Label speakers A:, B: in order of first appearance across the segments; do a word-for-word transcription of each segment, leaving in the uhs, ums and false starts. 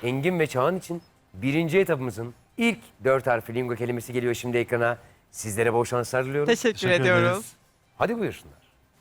A: Engin ve Çağan için birinci etapımızın ilk dört harfli lingo kelimesi geliyor şimdi ekrana. Sizlere bol şanslar diliyorum.
B: Teşekkür,
C: Teşekkür
B: ediyoruz.
C: ederiz.
A: Hadi buyursunlar.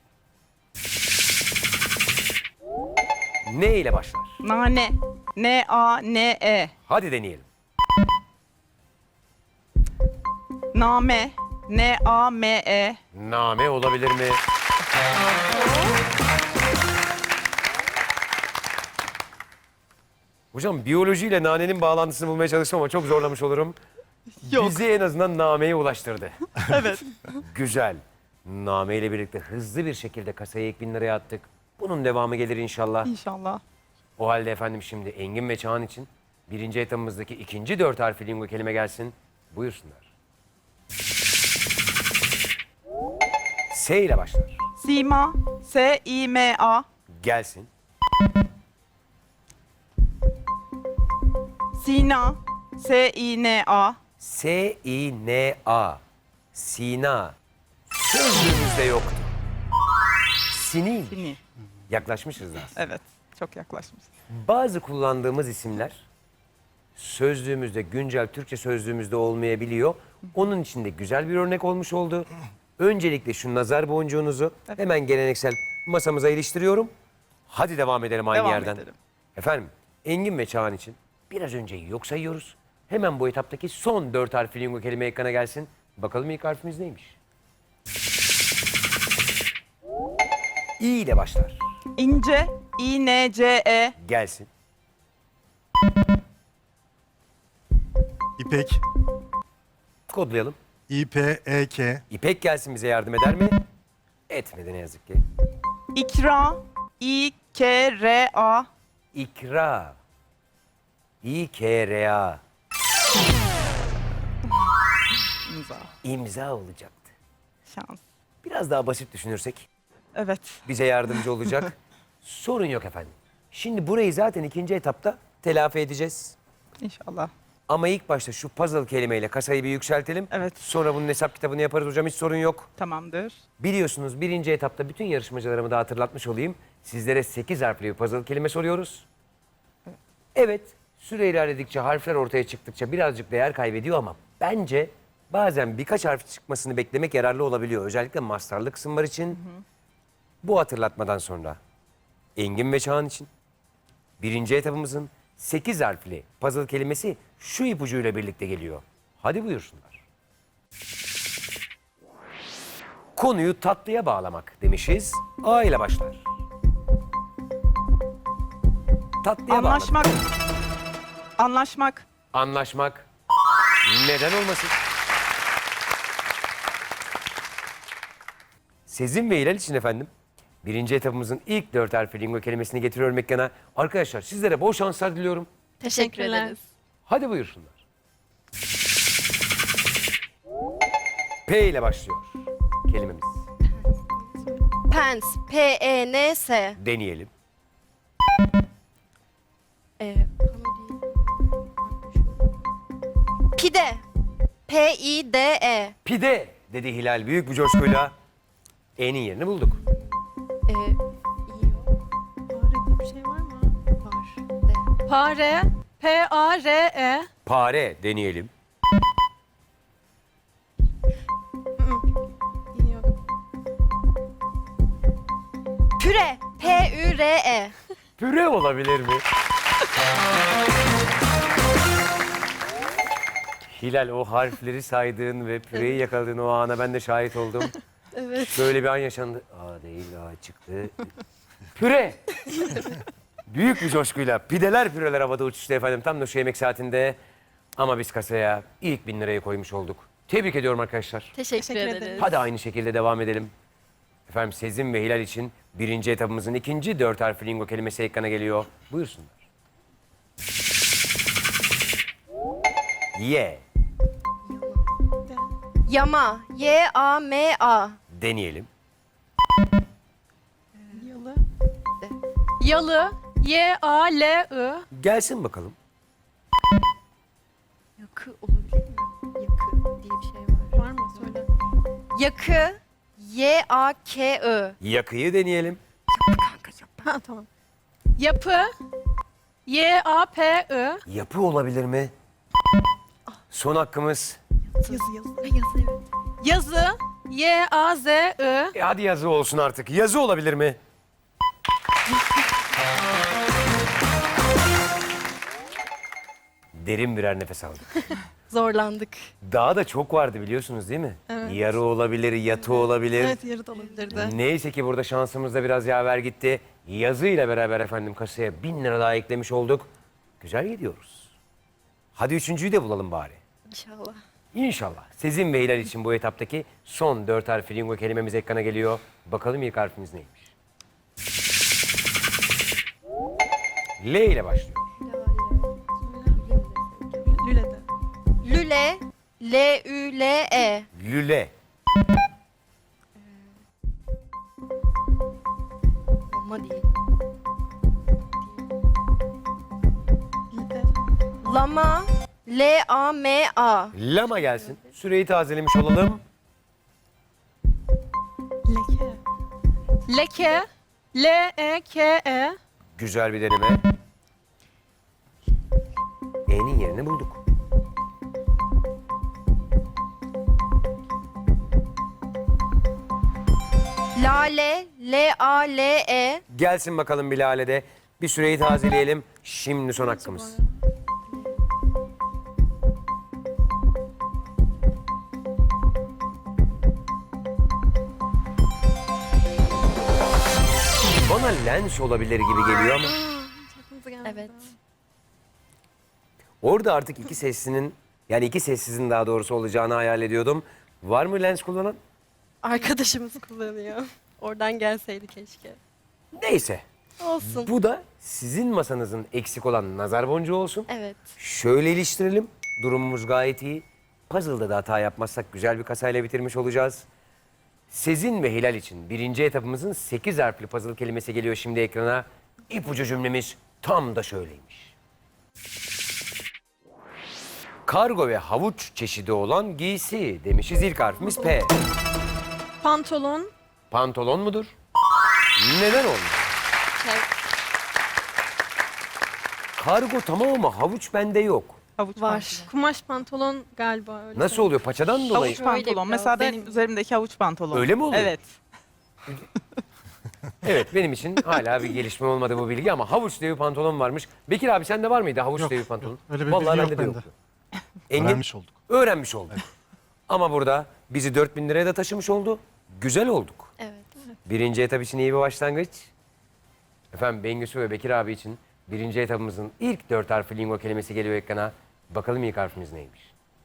A: Ne ile başlar?
B: Nane. N-A-N-E.
A: Hadi deneyelim.
B: Name. N-A-M-E.
A: Name olabilir mi? Hocam biyolojiyle nanenin bağlantısını bulmaya çalıştım ama çok zorlamış olurum.
B: Yok.
A: Bizi en azından nameye ulaştırdı.
B: Evet.
A: Güzel. Name ile birlikte hızlı bir şekilde kasaya ilk bin liraya attık. Bunun devamı gelir inşallah.
B: İnşallah.
A: O halde efendim şimdi Engin ve Çağan için birinci etapımızdaki ikinci dört harfli lingo kelime gelsin. Buyursunlar. S ile başlar.
B: Sima. S-I-M-A.
A: Gelsin.
B: Sina. S-I-N-A.
A: S-I-N-A. Sina. Sözlüğümüzde yoktu. Sinin.
B: Sini.
A: Yaklaşmışız da.
B: Evet. Çok yaklaşmış.
A: Bazı kullandığımız isimler sözlüğümüzde, güncel Türkçe sözlüğümüzde olmayabiliyor. Onun için de güzel bir örnek olmuş oldu. Öncelikle şu nazar boncuğunuzu hemen geleneksel masamıza iliştiriyorum. Hadi devam edelim aynı
B: Devam
A: yerden.
B: edelim.
A: Efendim, Engin ve Çağan için biraz önce yok sayıyoruz. Hemen bu etaptaki son dört harfli lingo kelime ekrana gelsin. Bakalım ilk harfimiz neymiş? İ ile başlar.
B: İnce. İ-N-C-E.
A: Gelsin.
C: İpek.
A: Kodlayalım.
C: İ-P-E-K.
A: İpek gelsin bize yardım eder mi? Etmedi ne yazık ki.
B: İkra. İ-K-R-A.
A: İkra. İ-K-R-A.
B: İmza.
A: İmza olacaktı.
B: Şans.
A: Biraz daha basit düşünürsek
B: Evet.
A: bize yardımcı olacak. Sorun yok efendim. Şimdi burayı zaten ikinci etapta telafi edeceğiz.
B: İnşallah.
A: Ama ilk başta şu puzzle kelimeyle kasayı bir yükseltelim.
B: Evet.
A: Sonra bunun hesap kitabını yaparız hocam, hiç sorun yok.
B: Tamamdır.
A: Biliyorsunuz birinci etapta bütün yarışmacılarımı da hatırlatmış olayım. Sizlere sekiz harfli bir puzzle kelime soruyoruz. Evet, süre ilerledikçe, harfler ortaya çıktıkça birazcık değer kaybediyor ama bence bazen birkaç harf çıkmasını beklemek yararlı olabiliyor. Özellikle mastarlı kısımlar için. Bu hatırlatmadan sonra Engin ve Çağan için birinci etapımızın sekiz harfli puzzle kelimesi şu ipucuyla birlikte geliyor. Hadi buyursunlar. Konuyu tatlıya bağlamak demişiz. A ile başlar. Tatlıya
B: Anlaşmak.
A: bağlamak.
B: Anlaşmak.
A: Anlaşmak. Neden olmasın? Sezin ve Hilal için efendim. Birinci etapımızın ilk dört harfli lingo kelimesini getiriyorum ekrana. Arkadaşlar sizlere bol şanslar diliyorum.
D: Teşekkür ederiz.
A: Hadi buyursunlar. P ile başlıyor kelimemiz.
D: Pens. P-E-N-S.
A: Deneyelim.
D: Ee, pano değil. Pide. P-I-D-E.
A: Pide dedi Hilal büyük bir coşkuyla. E'nin yerini bulduk.
D: Ee, iyi o. Fare diye bir şey var mı? Var. De.
E: Pare, P-A-R-E,
A: Pare deneyelim.
D: İyi yok. Püre. P-Ü-R-E.
A: Püre olabilir mi? Hilal o harfleri saydığın ve püreyi yakaladığın o ana ben de şahit oldum.
D: Evet.
A: Şöyle bir an yaşandı. A değil, A çıktı. Püre! Büyük bir coşkuyla pideler püreler havada uçuştu efendim tam da şu yemek saatinde. Ama biz kasaya ilk bin lirayı koymuş olduk. Tebrik ediyorum arkadaşlar.
D: Teşekkür,
E: Teşekkür
D: ederiz.
E: ederiz.
A: Hadi aynı şekilde devam edelim. Efendim Sezin ve Hilal için birinci etapımızın ikinci dört harfli lingo kelimesi ekrana geliyor. Buyursunlar. Ye.
D: Yama. Y-A-M-A.
A: Deneyelim.
E: yalı, yalı, Y-A-L-I,
A: Gelsin bakalım.
D: Yakı olabilir mi? Yakı diye bir şey var.
E: var mı? Söyle.
D: Yakı. Y-A-K-I.
A: Yakıyı deneyelim.
E: Ha tamam. Yapı, Y A P I.
A: Yapı olabilir mi? Son hakkımız.
B: Yazı yazı.
D: Ay, yazı evet.
E: Yazı. Y A Z I.
A: E hadi yazı olsun artık. Yazı olabilir mi? Derin birer nefes aldık.
D: Zorlandık.
A: Daha da çok vardı biliyorsunuz değil mi?
B: Evet.
A: Yarı olabilir, yatı olabilir.
B: Evet yarı da olabilirdi.
A: Neyse ki burada şansımız da biraz yaver gitti. Yazıyla beraber efendim kasaya bin lira daha eklemiş olduk. Güzel gidiyoruz. Hadi üçüncüyü de bulalım bari.
D: İnşallah.
A: İnşallah. Sezin ve Hilal için bu etaptaki son dört harfli lingo kelimemiz ekrana geliyor. Bakalım ilk harfimiz neymiş? L ile başlıyor.
B: Lüle'de.
D: Lüle. L Ü L E.
A: Lüle.
D: Ama değil.
B: Lide.
D: Lama. L A M A.
A: Lama gelsin. Süreyi tazelemiş olalım.
B: Leke.
E: Leke. L E K E.
A: Güzel bir deneme. E'nin yerini bulduk.
D: Lale. L A L E.
A: Gelsin bakalım Bilal'e. Bir süreyi tazeleyelim. Şimdi son hakkımız. Bana lens olabilir gibi geliyor ama
D: Evet.
A: orada artık iki seslinin yani iki sessizin daha doğrusu olacağını hayal ediyordum. Var mı lens kullanan?
D: Arkadaşımız kullanıyor. Oradan gelseydi keşke.
A: Neyse.
D: Olsun.
A: Bu da sizin masanızın eksik olan nazar boncuğu olsun.
D: Evet.
A: Şöyle iliştirelim. Durumumuz gayet iyi. Puzzle'da da hata yapmazsak güzel bir kasayla bitirmiş olacağız. Sezin ve Hilal için birinci etapımızın sekiz harfli puzzle kelimesi geliyor şimdi ekrana. İpucu cümlemiz tam da şöyleymiş. Kargo ve havuç çeşidi olan giysi demişiz. İlk harfimiz P.
E: Pantolon.
A: Pantolon mudur? Neden olmuş? Kargo tamam ama havuç bende yok.
B: Havuç
D: Var.
B: pantolon.
E: Kumaş pantolon galiba öyle.
A: Nasıl oluyor? Paçadan dolayı.
B: Havuç pantolon.
D: biraz
B: Mesela
D: da-
B: benim üzerimdeki havuç pantolon.
A: Öyle mi oluyor?
B: Evet.
A: Evet benim için hala bir gelişme olmadı bu bilgi ama havuç diye bir pantolon varmış. Bekir abi sende var mıydı havuç
C: Yok,
A: diye bir pantolon?
C: yok. Öyle bir
A: Vallahi
C: bilgi yok
A: bende de
C: bende.
A: yoktu. Engin,
C: Öğrenmiş olduk.
A: öğrenmiş olduk. Ama burada bizi dört bin liraya da taşımış oldu. Güzel olduk.
D: Evet.
A: Birinci etap için iyi bir başlangıç. Efendim Bengüsü ve Bekir abi için birinci etapımızın ilk dört harfli lingo kelimesi geliyor ekrana. Bakalım ilk harfimiz neymiş?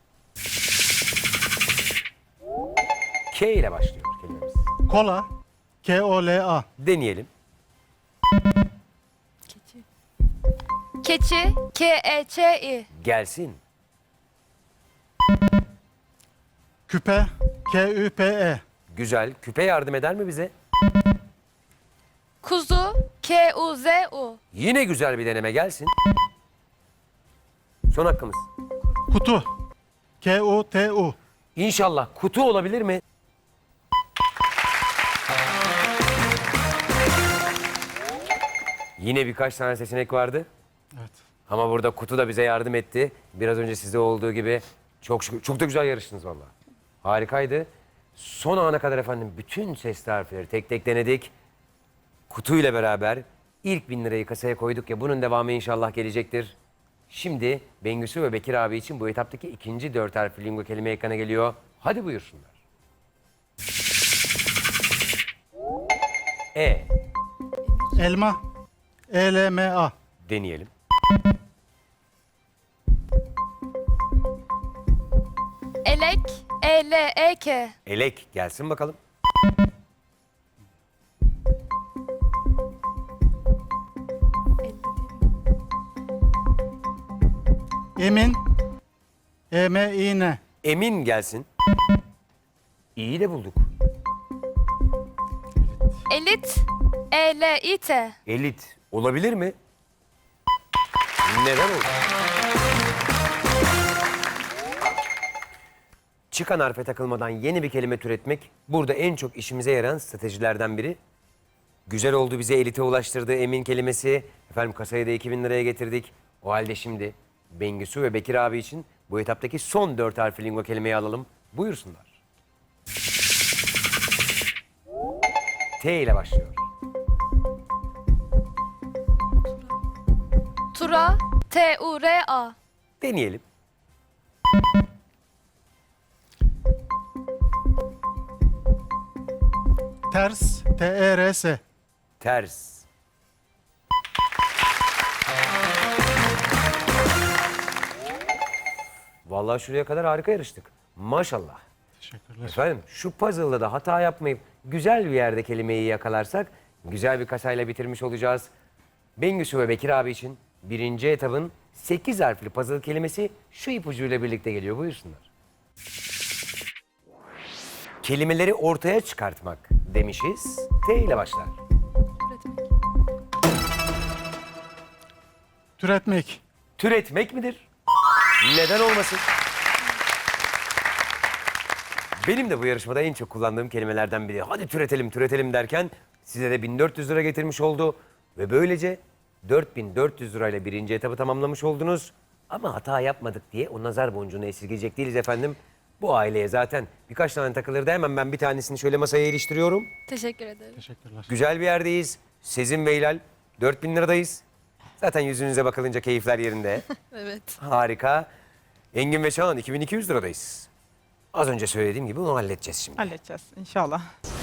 A: K ile başlıyor kelimemiz.
C: Kola. K O L A.
A: Deneyelim.
D: Keçi. Keçi. K E Ç İ.
A: Gelsin.
C: Küpe. K Ü P E.
A: Güzel. Küpe yardım eder mi bize?
D: Kuzu. K U Z U.
A: Yine güzel bir deneme gelsin. Son hakkımız.
C: Kutu. K U T U.
A: İnşallah kutu olabilir mi? Yine birkaç tane seçenek vardı.
C: Evet.
A: Ama burada kutu da bize yardım etti. Biraz önce sizde olduğu gibi çok şükür, çok da güzel yarıştınız vallahi. Harikaydı. Son ana kadar efendim bütün sesli harfleri tek tek denedik. Kutuyla beraber ilk bin lirayı kasaya koyduk ya bunun devamı inşallah gelecektir. Şimdi Bengüsü ve Bekir abi için bu etaptaki ikinci dört harfli lingo kelime ekrana geliyor. Hadi buyursunlar. E.
C: Elma. E L M A.
A: Deneyelim.
D: Elek. E L E K.
A: Elek gelsin bakalım.
C: Emin. E M İ N.
A: Emin gelsin. İyi de bulduk.
D: Elit. E L İ T.
A: Elit olabilir mi? Neden olur? Çıkan harfe takılmadan yeni bir kelime türetmek burada en çok işimize yarayan stratejilerden biri. Güzel oldu, bize elite ulaştırdı emin kelimesi. Efendim kasayı da iki bin liraya getirdik. O halde şimdi Bengisu ve Bekir abi için bu etaptaki son dört harfli lingo kelimeyi alalım. Buyursunlar. T ile başlıyor.
D: Tura. T U R A.
A: Deneyelim.
C: Ters. T E R S.
A: Ters. Vallahi şuraya kadar harika yarıştık. Maşallah.
C: Teşekkürler.
A: Efendim şu puzzle'da da hata yapmayıp güzel bir yerde kelimeyi yakalarsak güzel bir kasayla bitirmiş olacağız. Bengüsü ve Bekir abi için birinci etabın sekiz harfli puzzle kelimesi şu ipucuyla birlikte geliyor. Buyursunlar. Kelimeleri ortaya çıkartmak demişiz. T ile başlar.
D: Üretmek.
C: Türetmek.
A: Türetmek midir? Neden olmasın? Benim de bu yarışmada en çok kullandığım kelimelerden biri. Hadi türetelim, türetelim derken size de bin dört yüz lira getirmiş oldu. Ve böylece dört bin dört yüz lirayla birinci etabı tamamlamış oldunuz. Ama hata yapmadık diye o nazar boncuğunu esirgeyecek değiliz efendim. Bu aileye zaten birkaç tane takılırdı. Hemen ben bir tanesini şöyle masaya iliştiriyorum.
D: Teşekkür ederim.
C: Teşekkürler.
A: Güzel bir yerdeyiz. Sezin ve Hilal dört bin liradayız. Zaten yüzünüze bakılınca keyifler yerinde.
B: Evet.
A: Harika. Engin ve Çağan iki bin iki yüz liradayız. Az önce söylediğim gibi onu halledeceğiz şimdi.
B: Halledeceğiz inşallah.